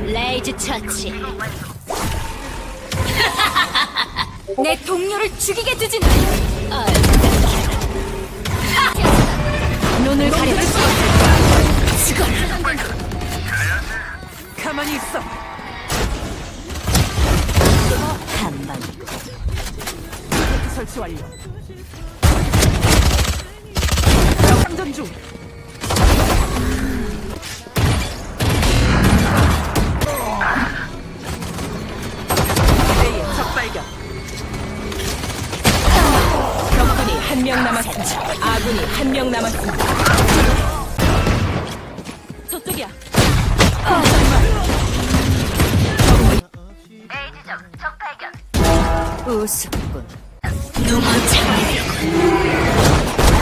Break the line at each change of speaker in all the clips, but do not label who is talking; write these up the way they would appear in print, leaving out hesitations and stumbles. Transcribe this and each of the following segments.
레이즈 처치. 내 동료를 죽이게 두진 않아. 눈을 가려볼 수 없을까? 죽어라.
가만히 있어.
한방
설치 완료. 장전 중. A의 적 발견. 적군이 한 명 남았습니다. 아군이 한 명 남았습니다. 저쪽이야.
우습군. 누구 잡으려고.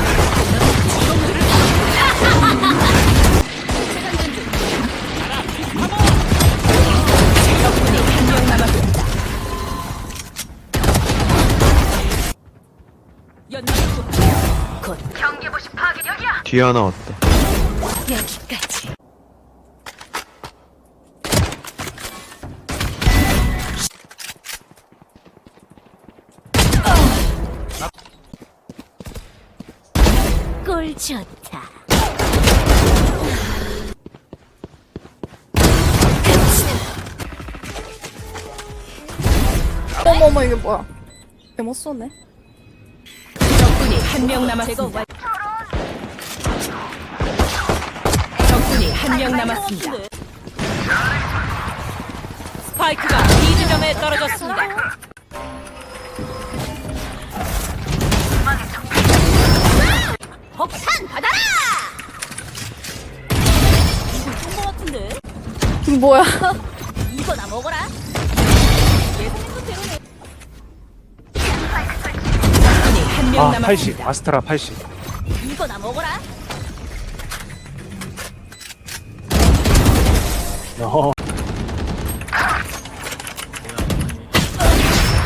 적군이 한 명 남았습니다. 연막구.
곧
뒤에 하나 왔다.
여기까지. 꿀 좋다.
어머머 이게 뭐야? 개못 쏘네.
적군이 한 명 남았습니다. 적군이 한 명 남았습니다. 스파이크가 B 지점에 떨어졌습니다.
폭탄 받아라!
좋은 거 같은데?
뭐야?
이거나 먹어라.
적군이 한 명
아, 80.
남았습니다.
아스트라 80.
이거나 먹어라.
어.